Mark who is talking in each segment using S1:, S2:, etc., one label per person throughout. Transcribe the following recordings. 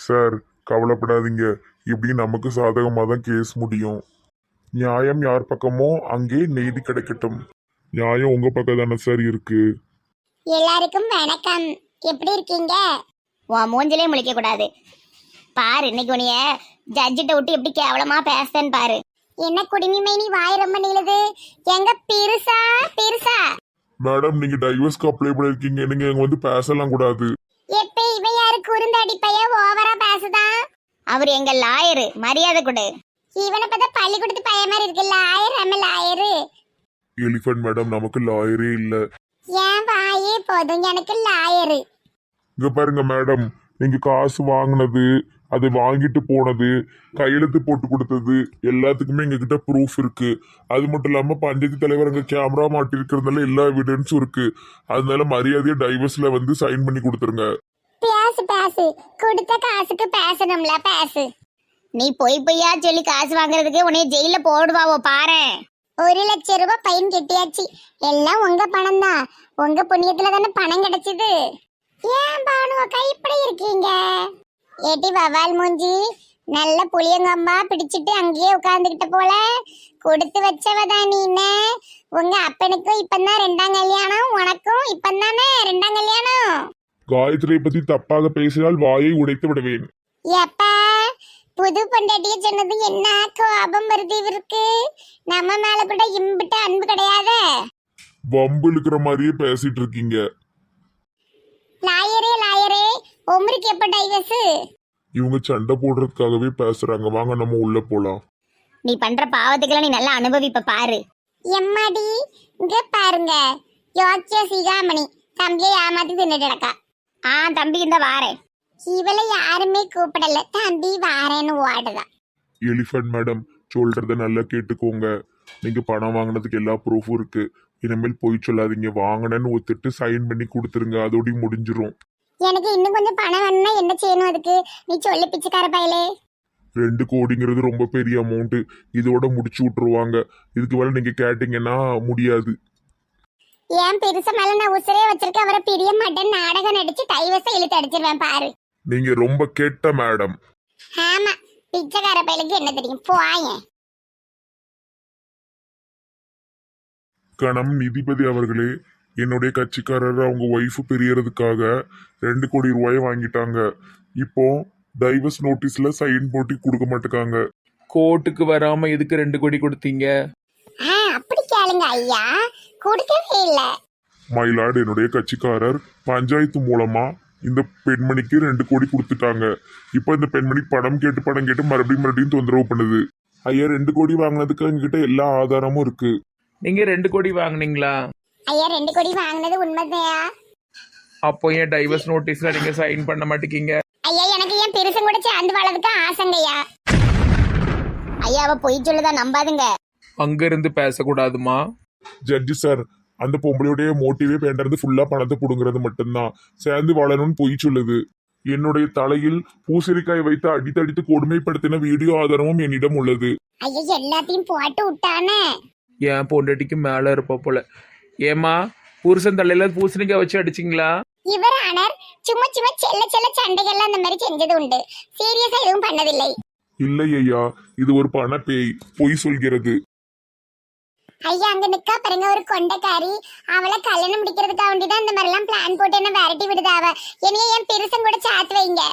S1: Sir கவலைப்படாதீங்க, இப்படி நமக்கு சாதகமாக தான் கேஸ் முடியும். நியாயம் யார் பக்கமோ அங்கே நீதி கிடைக்கட்டும். நியாயம் உங்க பக்கம் தானே சார் இருக்கு.
S2: எல்லாருக்கும் வணக்கம். எப்படி இருக்கீங்க?
S3: உன் மூஞ்சிலே முழிக்க கூடாது. பாரு இன்னைக்கு உனிய ஜட்ஜிட்ட விட்டு எப்படி கேவலமா பேசுறேன்னு பாரு.
S2: என்ன குடிமைமை நீ வாய் ரொம்ப நீளுது. எங்க பெருசா பெருசா
S1: மேடம், நீங்க டைவர்ஸ்க்கு அப்ளை பண்ணிருக்கீங்க, நீங்க இங்க வந்து பேசலாம் கூடாது.
S2: எப்ப இவன் யாரு குறுந்தடி பைய ஓவரா பேசுதான்?
S3: அவர் எங்க லாயரு, மரியாதை கொடு.
S2: இவனை பார்த்தா பள்ளிக்கூடத்து பையன் மாதிரி இருக்கு. லாயர் நம்ம லாயரு.
S1: எலிஃபண்ட் மேடம், நமக்கு லாயரே இல்ல.
S2: ஏன் வாயே போதும், எனக்கு லாயரு.
S1: இங்க பாருங்க மேடம், நீங்க காசு வாங்கினது, அதை வாங்கிட்டு போனது, கையெழுத்து போட்டு கொடுத்தது எல்லாத்துக்குமே எங்ககிட்ட ப்ரூஃப் இருக்கு. அது மட்டும் இல்லாம பஞ்சாயத்து தலைவர் அங்க கேமரா மாட்டிருக்கிறதுனால எல்லா எவிடன்ஸும் இருக்கு. அதனால மரியாதையா டைவர்ஸ்ல வந்து சைன் பண்ணி கொடுத்துருங்க.
S2: பேசு பேசு, கொடுத்த காசுக்கு பேசணும்ல, பேசு.
S3: நீ பொய்யா சொல்லி காசு வாங்குறதுக்கு உன்னைய ஜெயில போடுவாவோ பாரு.
S2: 1,00,000 ரூபாய் பையன் கெட்டியாச்சு. எல்லாம் உங்க பணம் தான். உங்க புண்ணியத்துல தானே பணம் கிடைச்சது. ஏன் பானுவக்கா இப்படி இருக்கீங்க? ஏட்டி வவால் மூஞ்சி, நல்ல புளியங்கம்பா பிடிச்சிட்டு அங்கேயே உட்கார்ந்துகிட்ட போல. கொடுத்து வச்சவதான் நீன்னு. உங்க அப்பனுக்கும் இப்பதான் 2ஆம் கல்யாணம், உனக்கும் இப்பதானே 2ஆம் கல்யாணம்.
S1: காயத்ரியை பத்தி தப்பாக பேசினால் வாயை உடைத்து விடுவேன்.
S2: எப்ப புது பொண்டாட்டிய சொன்னது என்ன கோபம் வருது இவருக்கு? நம்ம மேல கூட இம்பிட்டு அன்பு கிடையாது.
S1: வம்பு இழுக்கிற மாதிரியே பேசிட்டு இருக்கீங்க.
S2: லாயரே லாயரே, உமருக்கு எப்ப டைவர்ஸ்?
S1: இவங்க சண்டை போடுறதுக்காகவே பேசுறாங்க. வாங்க நம்ம உள்ள போலாம்.
S3: நீ பண்ற பாவத்துக்கெல்லாம் நீ நல்லா அனுபவிப்ப பாரு.
S2: எம்மாடி, இங்க பாருங்க, யோக்கிய சிகாமணி தம்பியை ஏமாத்தி தின்னுட்டு இருக்கா.
S3: தம்பி இந்த வாரேன்.
S2: இவளை யாருமே கூப்பிடல, தம்பி வாரேன்னு ஓடுதான்.
S1: எலிஃபண்ட் மேடம், சொல்றத நல்லா கேட்டுக்கோங்க. நீங்க பணம் வாங்கினதுக்கு எல்லா ப்ரூஃபும் இருக்கு. இனிமேல் போய் சொல்லாதீங்க. வாங்கினேன்னு ஒத்துட்டு சைன் பண்ணி கொடுத்துருங்க, அதோடய முடிஞ்சிரும்.
S2: எனக்கு இன்னும் கொஞ்சம் பணம் வேணும்னா என்ன செய்யணும் அதுக்கு? நீ சொல்லு பிச்சைக்கார பயலே.
S1: 2 கோடிங்கிறது ரொம்ப பெரிய அமௌண்ட். இதோட முடிச்சு விட்டுருவாங்க. இதுக்கு மேல நீங்க கேட்டீங்கன்னா முடியாது.
S2: ஏன் பெருச மேல நான் உசுரே வச்சிருக்க, அவரை பிரிய மாட்டேன் நாடகம் நடிச்சு டைவர்ஸை இழுத்து அடிச்சிருவேன் பாரு.
S1: நீங்க ரொம்ப கெட்ட மேடம்.
S2: ஆமா, பிச்சைக்கார பயலுக்கு என்ன தெரியும், போயேன்.
S1: கணம் நீதிபதி அவர்களே, என்னுடைய கட்சிக்காரர் அவங்க ஒய்ஃபு பிரியறதுக்காக 2 கோடி ரூபாயை வாங்கிட்டாங்க. இப்போ டைவர்ஸ் நோட்டீஸ்ல சைன் போட்டு கொடுக்க மாட்டேங்காங்க.
S4: கோர்ட்டுக்கு வராம எதுக்கு 2 கோடி கொடுத்தீங்க?
S2: அப்படி கேளுங்க ஐயா, கொடுக்கவே இல்ல.
S1: மயிலாடு, என்னுடைய கட்சிக்காரர் பஞ்சாயத்து மூலமா இந்த பெண்மணிக்கு 2 கோடி கொடுத்துட்டாங்க. இப்போ இந்த பெண்மணி படம் கேட்டு மறுபடியும் தொந்தரவு பண்ணுது. ஐயா, 2 கோடி வாங்கினதுக்கு எங்ககிட்ட எல்லா ஆதாரமும் இருக்கு.
S4: நீங்க 2 கோடி வாங்குனீங்களா?
S2: ஐயா, 2 கோடி வாங்கினது உண்மைதையா?
S4: அப்போ ஏன் டைவர்ஸ் நோட்டீஸ்ல நீங்க சைன் பண்ண மாட்டேங்க?
S2: ஐயா, எனக்கு என் பெருசும் கூட சேர்ந்து வாழறதுக்கு ஆசைங்கய்யா.
S3: ஐயா அவ பொய் சொல்லுதா, நம்பாதுங்க.
S4: அங்க இருந்து பேசக்கூடாதுமா.
S1: ஜட்ஜி சார், அந்த பொம்பளையுடைய மோட்டிவே வேண்டது ஃபுல்லா பணத்தை புடுங்கிறது மட்டும்தான். சேர்ந்து வாழணும்னு பொய் சொல்லுது. என்னுடைய தலையில் பூசணிக்காய் வைத்து அடித்தடித்து கொடுமைப்படுத்தின வீடியோ ஆதாரமும் என்னிடம் உள்ளது.
S2: ஐயா, எல்லாத்தையும் போட்டு விட்டானே.
S4: என் பொண்டாட்டிக்கு மேல இருப்ப போல. ஏமா, புருஷன் தலையில பூசணிக்காய் வச்சு அடிச்சிங்களா?
S2: இவர் ஆனர் சும்மா சும்மா செல்ல செல்ல சண்டைகள்லாம் அந்த மாதிரி செஞ்சது உண்டு. சீரியஸா எதுவும் பண்ணதில்லை.
S1: இல்லை ஐயா, இது ஒரு பண பேய், பொய் சொல்கிறது.
S2: ஐயா, அங்க நிக்கா பாருங்க ஒரு கொண்டைக்காரி. அவளை கல்யாணம் முடிக்கிறதுக்காக வேண்டிதான் இந்த மாதிரி எல்லாம் பிளான் போட்டு என்ன விரட்டி விடுதாவ. என்னைய என் பெருசன் கூட சாத்து வைங்க.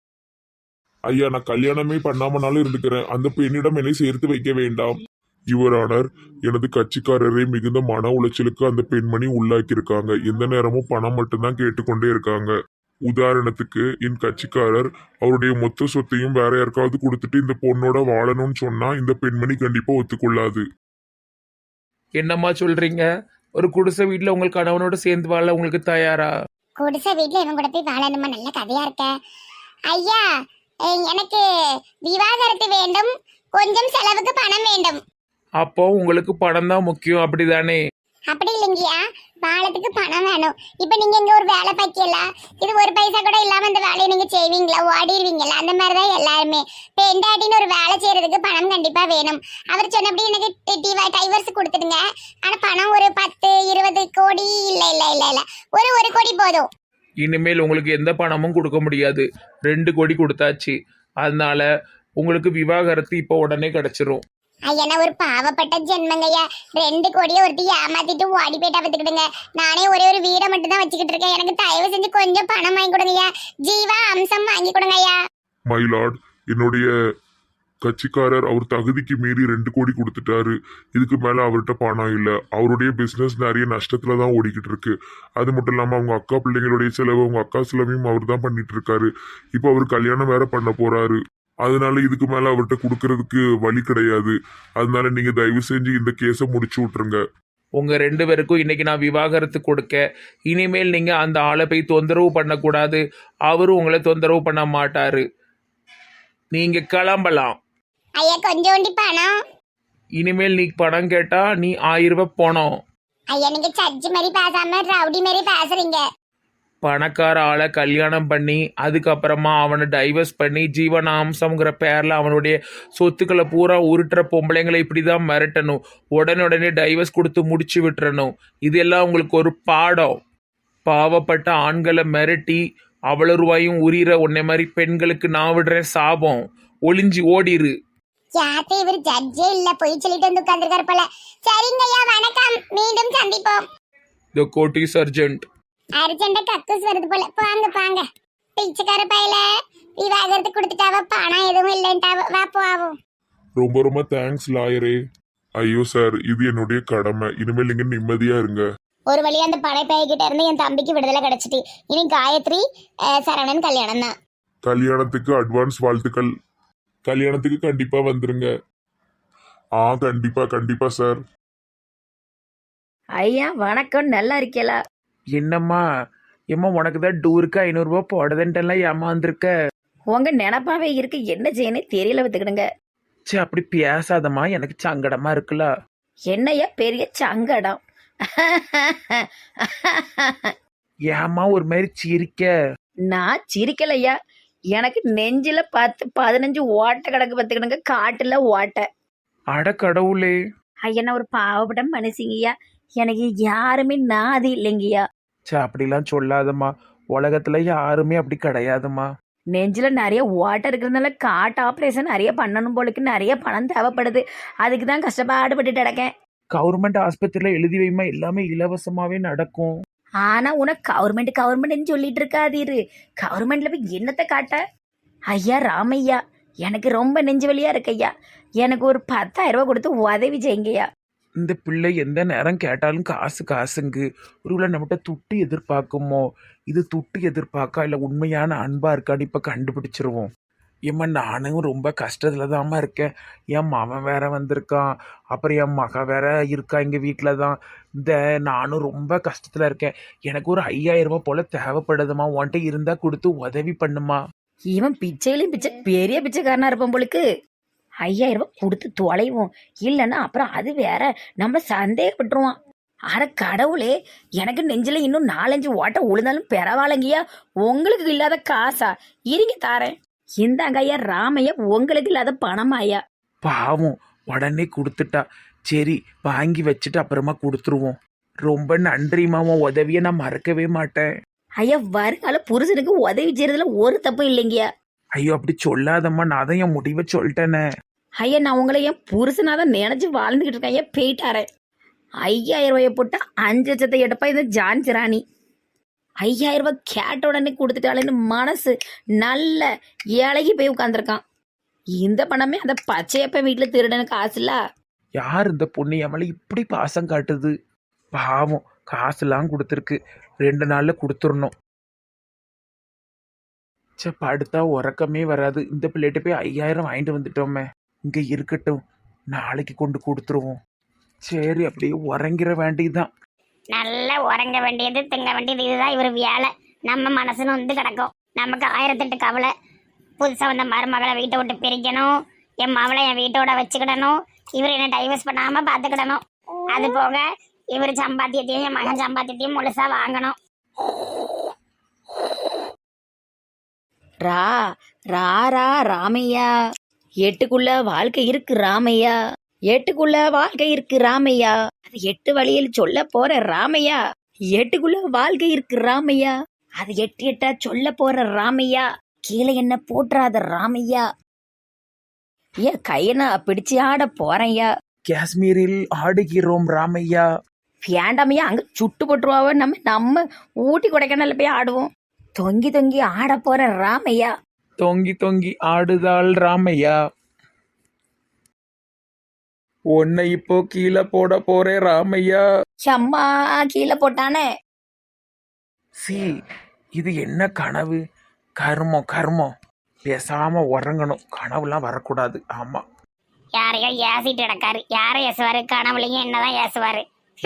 S1: ஐயா, நான் கல்யாணமே பண்ணாமனாலும் இருந்துக்கிறேன். அந்த பெண்ணிடம் என்னை சேர்த்து வைக்க வேண்டாம். யுவரானர், எனது கட்சிக்காரரை மிகுந்த மன உளைச்சலுக்கு அந்த பெண்மணி உள்ளாக்கியிருக்காங்க. எந்த நேரமும் பணம் மட்டும்தான் கேட்டுக்கொண்டே இருக்காங்க. உதாரணத்துக்கு, என் கட்சிக்காரர் அவருடைய மொத்த சொத்தையும் வேற யாருக்காவது கொடுத்துட்டு இந்த பொண்ணோட வாழணும்னு சொன்னா இந்த பெண்மணி கண்டிப்பா ஒத்துக்கொள்ளாது.
S4: என்னம்மா சொல்றீங்க? ஒரு குடிசை வீட்டுல உங்கள் கணவனோட சேர்ந்து வாழ உங்களுக்கு தயாரா?
S2: குடிசை வீட்டுல இவன் கூட போய் வாழணுமா? நல்ல கதையா இருக்க. ஐயா, எனக்கு விவாகரத்து வேண்டும், கொஞ்சம் செலவுக்கு பணம் வேண்டும்.
S4: அப்போ உங்களுக்கு பணம் தான் முக்கியம், அப்படிதானே?
S2: அப்படி இல்லைங்கய்யா, வாழத்துக்கு பணம் வேணும். இப்ப நீங்க இங்க ஒரு வேலை பார்க்கல, இது ஒரு பைசா கூட இல்லாம இந்த வேலையை நீங்க செய்வீங்களா? ஓடிடுவீங்களா? அந்த மாதிரிதான் எல்லாருமே. பெண்டாட்டின்னு ஒரு வேலை செய்யறதுக்கு பணம் கண்டிப்பா வேணும். அவர் சொன்னபடி எனக்கு டைவர்ஸ் கொடுத்துடுங்க. ஆனா பணம் ஒரு 10-20 கோடி இல்ல இல்ல இல்ல இல்ல, ஒரு 1 கோடி போதும்.
S4: இனிமேல் உங்களுக்கு எந்த பணமும் கொடுக்க முடியாது. 2 கோடி கொடுத்தாச்சு. அதனால உங்களுக்கு விவாகரத்து இப்போ உடனே கிடைச்சிரும்.
S2: ஐயா நான் ஒரு பாவப்பட்ட ஜென்மங்கய்யா. 2 கோடியை ஒருத்தி ஏமாத்திட்டு ஓடி போயிட்டா பார்த்துக்கிடுங்க. நானே ஒரே ஒரு வீடை மட்டும் தான் வச்சுக்கிட்டு இருக்கேன். எனக்கு தயவு செஞ்சு கொஞ்சம் பணம் வாங்கி கொடுங்கய்யா. ஜீவா அம்சம் வாங்கி கொடுங்க ஐயா.
S1: மைலாட், என்னுடைய கட்சிக்காரர் அவர் தகுதிக்கு மீறி 2 கோடி கொடுத்துட்டாரு. இதுக்கு மேல அவர்கிட்ட பணம் இல்ல. அவருடைய பிசினஸ் நிறைய நஷ்டத்துல தான் ஓடிக்கிட்டு இருக்கு. அது மட்டும் இல்லாம அவங்க அக்கா பிள்ளைங்களுடைய செலவு, அவங்க அக்கா செலவையும் அவர் தான் பண்ணிட்டு இருக்காரு. இப்போ அவர் கல்யாணம் வேற பண்ண போறாரு. அதனால இதுக்கு மேல அவர்கிட்ட கொடுக்கறதுக்கு வழி கிடையாது. அதனால நீங்க தயவு செஞ்சு இந்த கேஸை முடிச்சு விட்டுருங்க.
S4: உங்க 2 பேருக்கும் இன்னைக்கு நான் விவாகரத்து கொடுக்க. இனிமேல் நீங்க அந்த ஆளை போய் தொந்தரவு பண்ணக்கூடாது. அவரும் உங்களை தொந்தரவு பண்ண மாட்டாரு. நீங்க கிளம்பலாம்.
S2: ஐயா கொஞ்சோண்டி பணம்.
S4: இனிமேல் நீ பணம் கேட்டா நீ 1000 ரூபாய் பணம்.
S2: ஐயா நீங்க சர்ஜ் மாதிரி பேசாம ரவுடி மாதிரி பேசுறீங்க.
S4: பணக்கார ஆளை கல்யாணம் பண்ணி அதுக்கப்புறமா அவனை டைவர்ஸ் பண்ணி ஜீவனாம்சம்ங்கிற பேரில் அவனுடைய சொத்துக்களை பூரா உருட்டுற பொம்பளைங்களை இப்படி தான் மிரட்டணும். உடனே டைவர்ஸ் கொடுத்து முடிச்சு விட்டுறணும். இதெல்லாம் உங்களுக்கு ஒரு பாடம். பாவப்பட்ட ஆண்களை மிரட்டி அவ்வளோ ரூபாயும் உரிகிற உன்னை மாதிரி பெண்களுக்கு நான் விடுறேன் சாபம். ஒளிஞ்சு ஓடிரு.
S2: யாத்தே இவர் ஜட்ஜே இல்ல, போய் சொல்லிட்டு வந்து உட்கார்ந்துருக்காரு போல. சரிங்க ஐயா வணக்கம், மீண்டும் சந்திப்போம்.
S4: The court is urgent.
S2: அர்ஜென்டா கக்கூஸ் வருது போல. போங்க போங்க. பிச்சைக்கார பையில விவாகரத்து கொடுத்துட்டாவ, பணம் எதுவும் இல்லைன்ட்டாவ. வா போவோம்.
S1: ரொம்ப ரொம்ப தேங்க்ஸ் லாயரே. ஐயோ சார், இது என்னுடைய கடமை. இனிமேல் நீங்க நிம்மதியா இருங்க.
S3: ஒரு வழியா அந்த படைப்பையகிட்ட இருந்து என் தம்பிக்கு விடுதலை கிடைச்சிட்டு இனி காயத்ரி சரவணன் கல்யாணம் தான்.
S1: கல்யாணத்துக்கு அட்வான்ஸ் வாழ்த்துக்கள். கல்யாணத்துக்கு கண்டிப்பா வந்துருங்க. கண்டிப்பா கண்டிப்பா சார்.
S5: ஐயா வணக்கம், நல்லா இருக்கீங்களா?
S4: என்னம்மா ஏம்மா உனக்கு தான் டூருக்கு 500 ரூபாய் போடுதுன்ட்டெல்லாம் ஏமாந்துருக்க.
S5: உங்க நினப்பாவே இருக்கு, என்ன செய்யணும் தெரியல பார்த்துக்கிடுங்க.
S4: சே அப்படி பேசாதம்மா, எனக்கு சங்கடமா இருக்குல்ல.
S5: என்னையா பெரிய சங்கடம்?
S4: ஏம்மா ஒரு மாதிரி சிரிக்க?
S5: நான் சிரிக்கலையா, எனக்கு நெஞ்சில 10-15 ஓட்டை கிடக்கு பார்த்துக்கிடுங்க, காட்டுல ஓட்டை.
S4: அட கடவுளே.
S5: ஐயா நான் ஒரு பாவப்பட்ட மனுஷங்கய்யா, எனக்கு யாருமே நாதி இல்லைங்கய்யா.
S4: சே அப்படிலாம் சொல்லாதம்மா, உலகத்துல யாருமே அப்படி கிடையாதும்மா.
S5: நெஞ்சில நிறைய ஓட்டை இருக்கிறதுனால காட்டு ஆப்ரேஷன் நிறைய பண்ணணும் போலுக்கு, நிறைய பணம் தேவைப்படுது. அதுக்கு தான் கஷ்டப்பாடுபட்டு கிடக்கேன்.
S4: கவர்மெண்ட் ஆஸ்பத்திரியில எழுதி வைமா, எல்லாமே இலவசமாவே நடக்கும்.
S5: ஆனா உனக்கு கவர்மெண்ட்னு சொல்லிட்டு இருக்காதீரு. கவர்மெண்ட்ல போய் என்னத்தை காட்ட? ஐயா ராமையா, எனக்கு ரொம்ப நெஞ்சு வலியா இருக்கு ஐயா. எனக்கு ஒரு 10,000 ரூபாய் கொடுத்து உதவி செய்யுங்கய்யா.
S4: இந்த பிள்ளை எந்த நேரம் கேட்டாலும் காசுங்கு. ஒருவேளை நம்மகிட்ட துட்டு எதிர்பார்க்குமோ? இது துட்டு எதிர்பார்க்கா இல்லை உண்மையான அன்பா இருக்கான்னு இப்போ கண்டுபிடிச்சிருவோம். ஏம்மா நானும் ரொம்ப கஷ்டத்துல தாம்மா இருக்கேன். என் மகன் வேற வந்திருக்கான், அப்புறம் என் மக வேற இருக்கா எங்க வீட்டில் தான். நானும் ரொம்ப கஷ்டத்துல இருக்கேன். எனக்கு ஒரு 5,000 ரூபாய் போல தேவைப்படுதுமா. உன்கிட்ட இருந்தா கொடுத்து உதவி பண்ணுமா.
S5: இவன் பிச்சையிலும் பிச்சை, பெரிய பிச்சைக்காரனா இருப்பான் போலுக்கு. 5,000 ரூபாய் கொடுத்து தொலைவோம், இல்லைன்னா அப்புறம் அது வேற நம்மள சந்தேகப்பட்டுருவான். அட கடவுளே, எனக்கு நெஞ்சில இன்னும் 4-5 ஓட்டை உழுந்தாலும் பரவாயில்லைங்கய்யா. உங்களுக்கு இல்லாத காசா? இருங்க தாரேன். இந்தாங்க ஐயா ராமையா, உங்களுக்கு இல்லாத பணமாயா?
S4: பாவம் உடனே கொடுத்துட்டா. சரி வாங்கி வச்சுட்டு அப்புறமா கொடுத்துருவோம். ரொம்ப நன்றிம்மா, உன் உதவியை நான் மறக்கவே மாட்டேன்.
S5: ஐயா வருங்கால புருஷனுக்கு உதவி செய்யறதுல ஒரு தப்பும் இல்லைங்கய்யா.
S4: ஐயோ அப்படி சொல்லாதம்மா, நான் தான் என் முடிவை சொல்லிட்டேனே.
S5: ஐயா நான் உங்களை என் புருஷனாதான் நினைச்சு வாழ்ந்துகிட்டு இருக்கேன். ஐயா போயிட்டாரேன். 5,000 ரூபாயை போட்டா 5 லட்சத்தை எடுப்பா இந்த ஜான்சி ராணி. 5,000 ரூபாய் கேட்ட உடனே கொடுத்துட்டாளேன்னு மனசு நல்ல இலகி போய் உட்காந்துருக்கான். இந்த பணமே அந்த பச்சையப்ப வீட்டுல திருடனுக்கு காசு இல்ல.
S4: யார் இந்த பொண்ணு எமலை இப்படி பாசம் காட்டுது? பாவம் காசுலாம் கொடுத்துருக்கு, 2 நாள்ல கொடுத்துடணும். சே படுத்தா உறக்கமே வராது. இந்த பிள்ளைகிட்ட போய் 5,000 வாங்கிட்டு வந்துட்டோமே, இங்க இருக்கட்டும், நாளைக்கு கொண்டு கொடுத்துருவோம். சரி அப்படியே உறங்கிற வேண்டியதுதான்.
S3: நல்லா உறங்க வேண்டியது திங்க வேண்டியது இதுதான் இவர் வேலை. நம்ம மனசுன்னு வந்து கிடக்கும். நமக்கு 1008 கவலை. புதுசாக வந்த மருமகளை வீட்டை விட்டு பிரிக்கணும், என் மவளை என் வீட்டோட வச்சுக்கிடணும், இவர் என்ன டைவர்ஸ் பண்ணாமல் பார்த்துக்கிடணும். அது போக இவர் சம்பாத்தியத்தையும் என் மகன் சம்பாத்தியத்தையும் முழுசா வாங்கணும்.
S5: ரா ரா ரா ராமையா, எட்டுக்குள்ள வாழ்க்கை இருக்கு ராமையா, எட்டுக்குள்ள வாழ்க்கை இருக்கு ராமையா. அது 8 வழியில் சொல்ல போற ராமையா. எட்டுக்குள்ள வாழ்க்கை இருக்கு ராமையா. அது எட்டு எட்டா சொல்ல போற ராமையா, கீழே என்ன போட்டுறாத ராமையா. ஏன் கையை நான் பிடிச்சு ஆட போறேன்யா.
S4: காஷ்மீரில் ஆடுகிறோம் ராமையா.
S5: வேண்டாமையா, அங்க சுட்டு போட்டுருவாவ. நம்ம ஊட்டி கொடைக்கானல்ல போய் ஆடுவோம். தொங்கி தொங்கி ஆட போற ராமையா.
S4: தொங்கி தொங்கி ஆடுதாள் ராமையா. உன்னை இப்போ கீழே போட போறேன் ராமையா.
S5: சம்மா கீழே போட்டானே.
S4: சி, இது என்ன கனவு? கர்மம் கர்மம். பேசாம உறங்கணும், கனவுலாம் வரக்கூடாது. ஆமா,
S3: யாரையோ ஏசிட்டு கிடக்காரு. யாரை ஏசுவாரு? கனவுலையும் என்னதான் ஏசுவாரு.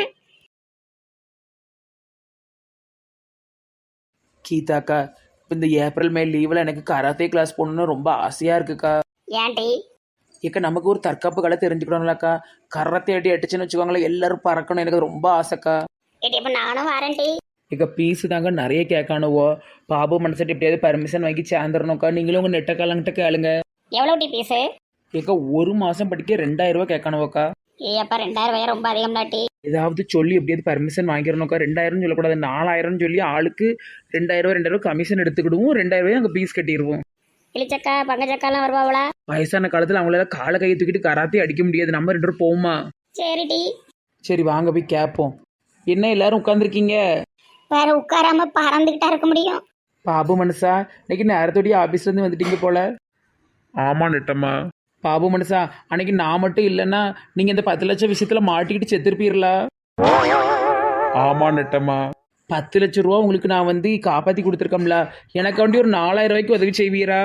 S4: கீதாக்கா, இப்போ இந்த ஏப்ரல் மே லீவில் எனக்கு கராத்தே கிளாஸ் போகணுன்னு ரொம்ப ஆசையாக இருக்குக்கா.
S3: ஏன்டி?
S4: ஏக்கா, நமக்கு ஒரு தற்காப்பு கலை தெரிஞ்சுக்கணும்லக்கா. கராத்தே அடி அடிச்சுன்னு வச்சுக்கோங்களேன், எல்லாரும் பறக்கணும். எனக்கு ரொம்ப ஆசைக்கா.
S3: ஏடி இப்ப நானும் வரேன்டி.
S4: ஏக்கா, பீஸு தாங்க நிறைய கேட்கானுவோ. பாபு மனசிட்டு எப்படியாவது பர்மிஷன் வாங்கி சேர்ந்துடணும்க்கா. நீங்களும் உங்கள் நெட்டக்காலங்கிட்ட கேளுங்க.
S3: எவ்வளவு டி பீஸு?
S4: ஏக்கா, ஒரு மாதம் படிக்க 2000 ரூபா கேட்கானுவோக்கா.
S3: ஏப்பா 2000 ரொம்ப அதிகம் டாட்டி.
S4: ஏதாவது சொல்லி எப்படியாவது பர்மிஷன் வாங்கிடணும்க்கா. 2000 சொல்லக்கூடாது, 4000 சொல்லி ஆளுக்கு 2000 கமிஷன் எடுத்துக்கிடுவோம். 2000 அங்கே பீஸ் கட்டிடுவோம்.
S3: இளிச்சக்கா பங்கச்சக்காலாம் வருவாங்களா?
S4: வயசான காலத்தில் அவங்களால காலை கையை தூக்கிட்டு கராத்தே அடிக்க முடியாது. நம்ம 2 பேரும் போவோமா?
S3: சரிடி.
S4: சரி, வாங்க போய் கேட்போம். என்ன எல்லாரும் உட்காந்துருக்கீங்க?
S3: வேற உட்காராம பறந்துகிட்டா இருக்க முடியும்?
S4: பாபு மனுஷா, இன்னைக்கு நேரத்தோடைய ஆபீஸ்லேருந்து வந்துட்டீங்க போல.
S1: ஆமா நெட்டம்மா.
S4: பாபு மனுஷா, அன்னைக்கு நான் மட்டும் இல்லைன்னா நீங்கள் இந்த 10 லட்சம் விஷயத்தில் மாட்டிக்கிட்டு செத்துருப்பீர்களா?
S1: ஆமா நெட்டம்மா.
S4: 10 லட்சம் ரூபா உங்களுக்கு நான் வந்து காப்பாற்றி கொடுத்துருக்கோம்ல, எனக்கு வேண்டி ஒரு 4000 ரூபாய்க்கு உதவி செய்வீரா?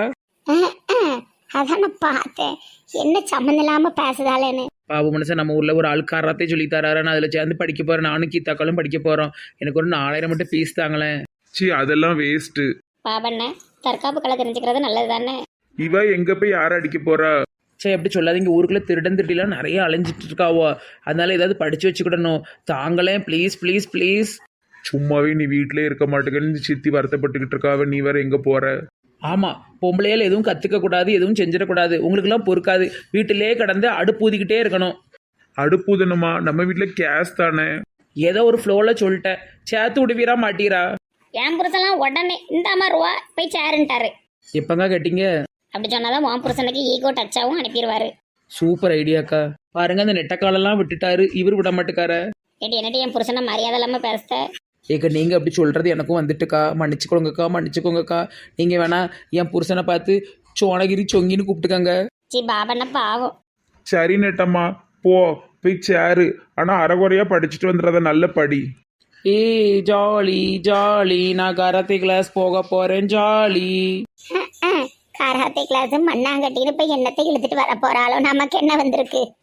S3: அதான் நான் பார்த்தேன், என்ன சம்மந்தம் இல்லாம பேசுதாலேன்னு.
S4: பாபு மனுஷன், நம்ம ஊரில் ஒரு ஆள் காராத்தே சொல்லி தராரு. நான் அதில் சேர்ந்து படிக்க போகிறேன். நானும் கீதாக்களும் படிக்க போகிறோம். எனக்கு ஒரு 4000 மட்டும் ஃபீஸ் தாங்களேன்.
S1: சி, அதெல்லாம் வேஸ்ட்டு.
S3: பாபண்ண, தற்காப்பு கலை தெரிஞ்சுக்கிறது நல்லது தானே.
S1: இவ எங்க போய் யார அடிக்க போறா?
S4: சரி, எப்படி சொல்லாதீங்க. ஊருக்குள்ளே திருடன் திருட்டிலாம் நிறைய அலைஞ்சிட்டு இருக்காவோ. அதனால ஏதாவது படித்து வச்சுக்கிடணும். தாங்களே ப்ளீஸ் ப்ளீஸ் ப்ளீஸ்.
S1: சும்மாவே நீ வீட்டிலே இருக்க மாட்டேங்கன்னு சித்தி வருத்தப்பட்டுக்கிட்டு இருக்காவ. நீ வேற எங்க போற?
S4: ஆமாம், பொம்பளையால் எதுவும் கற்றுக்கக்கூடாது, எதுவும் செஞ்சிடக்கூடாது. உங்களுக்கெல்லாம் பொறுக்காது. வீட்டிலே கடந்து அடுப்பூதிக்கிட்டே இருக்கணும்.
S1: அடுப்புதனுமா? நம்ம வீட்டுல கேஸ் தானே.
S4: ஏதோ ஒரு ஃப்ளோவில் சொல்லிட்டேன். சேர்த்து விடுவீரா மாட்டீரா?
S3: என் புருஷன்லாம் உடனே இந்த அம்மா ரூபா போய் சேருன்ட்டாரு.
S4: எப்பங்க கேட்டீங்க?
S3: அப்படி சொன்னாதான் உன் புருஷனுக்கு ஈகோ டச்சாவும் அனுப்பிடுவாரு.
S4: சூப்பர் ஐடியாக்கா. பாருங்க, அந்த நெட்டக்காலெல்லாம் விட்டுட்டாரு, இவர் விட மாட்டுக்கார.
S3: ஏடி என்னடி என் புருஷனை மரியாதை இல்லாம பேசுத?
S4: ஏக்கா, நீங்கள் அப்படி சொல்கிறது எனக்கும் வந்துட்டுக்கா. மன்னிச்சுக்கோங்கக்கா, மன்னிச்சுக்கோங்கக்கா. நீங்கள் வேணா என் புருஷனை பார்த்து சோனகிரி சொங்கின்னு கூப்பிட்டுக்கங்க.
S3: சி பாபண்ண பாவம்.
S1: சரி நெட்டம்மா, போ போய் சேரு. ஆனா அரைகுறையா படிச்சுட்டு வந்துடுறத நல்ல படி.
S4: ஏய் ஜாலி ஜாலி, நான் கராத்தே கிளாஸ் போக போகிறேன் ஜாலி.
S3: கராத்தே கிளாஸ் மண்ணாங்கட்டின்னு போய் என்னத்தை இழுத்துட்டு வர போறாளோ, நமக்கு என்ன வந்திருக்கு?